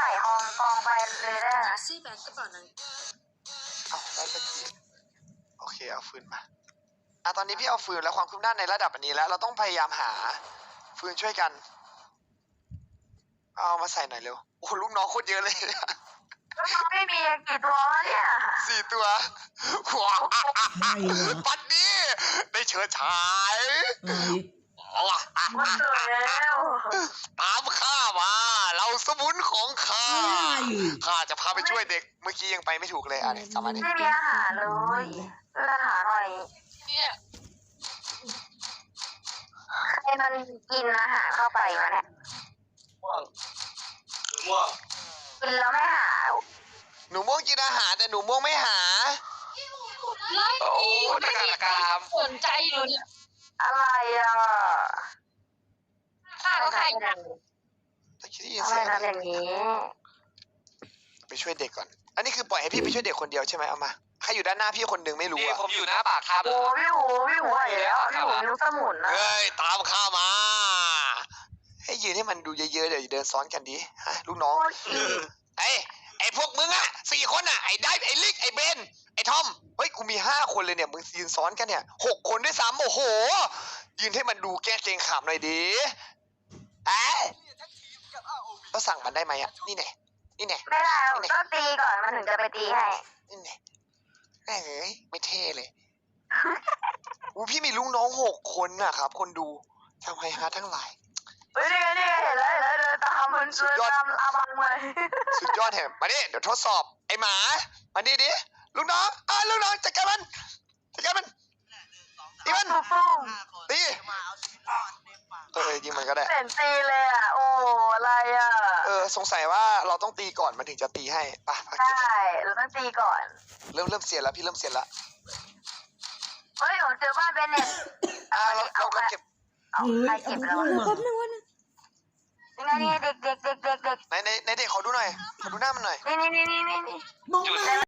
ส่กองไปเลยได้นะซี่แบงกระเป๋านั้นเอาได้สักทีโอเคเอาฟืนมาตอนนี้พี่เอาฟืนแล้วความคืบหน้าในระดับอันนี้แล้ว เราต้องพยายามหาฟืนช่วยกันเอามาใส่หน่อยเร็วโอ้ลูกน้องโคตรเยอะเลยไม่มีกี่ตัววะเนี่ย 4 ตัวว้าวได้เหรอปัดนี้ได้เชิดฉายมันเกิดแล้วตามข้ามา เราสมุนของข้า ข้าจะพาไปช่วยเด็ก เมื่อกี้ยังไปไม่ถูกเลยเนี่ยสามารถนี้ไม่มีอาหารเลยอาหารหน่อยเนี่ยใครมันกินอาหารเข้าไปวะเนี่ยกินแล้วไม่หาหนูม่วงกินอาหารแต่หนูม่วงไม่หาไล่โอ้ไม่ตะมีกามสนใจอยู่เนี่ยอะไรอ่ะข้าก็ใครนะตะกี้ได้ยินทำไมเสียงทำอย่างนี้ไปช่วยเด็กก่อน อันนี้คือปล่อยให้พี่ไปช่วยเด็กคนเดียวใช่ไหมเอามาใครอยู่ด้านหน้าพี่คนหนึ่งไม่รู้นี่อะผมอยู่หน้าปากถ้ำโอ้พี่หูไหวแล้วพี่หูนิ้วสมุนนะเฮ้ยตามข้ามา ให้ยืนให้มันดูเยอะๆเดี๋ยวเดินซ้อนกันดิฮะลูกน้องโอ้ยอีกไอ้พวกมึงอะ4 คนอะไอ้ไดฟ์ไอ้ลิกไอ้เบนไอ้ทอมเฮ้ยกูมี5 คนเลยเนี่ยมึงยืนซ้อนกันเนี่ย6 คนด้วยซ้ำโอ้โหยืนให้มันดูแก้เกรงขามหน่อยดิเราสั่งมันได้ไหมอะนี่แน่นี่แน่ไม่ได้ต้องตีก่อนมันถึงจะไปตีให้นี่แน่แม่งเอ้ยไม่เท่เลยอู้พี่มีลูกน้อง6 คนนะครับคนดูทำไมฮะทั้งหลายเฮ้ยนี่เห็นแล้วเดินตามมันช่วยตามอาบังเลยสุดยอดแถมมาดิเดี๋ยวทดสอบไอ้หมามาดิลูกน้องลูกน้องจัดการมันตีมันปุ้งตียิงมันก็ได้เห็นตีเลยอ่ะโอ้อะไรอ่ะสงสัยว่าเราต้องตีก่อนมันถึงจะตีให้ป่ะใช่เราต้องตีก่อนเริ่มเสียแล้วพี่เริ่มเสียแล้วเฮ้ยผมเจอบ้านเบนเน็ตเราเก็บเอาเฮ้ใครยเก็บเอาแล้วแป๊บนึงวะนะนี่ไงนี่เด็กในเด็กเขาดูหน่อยเขาดูหน้ามันหน่อยนี่มองมา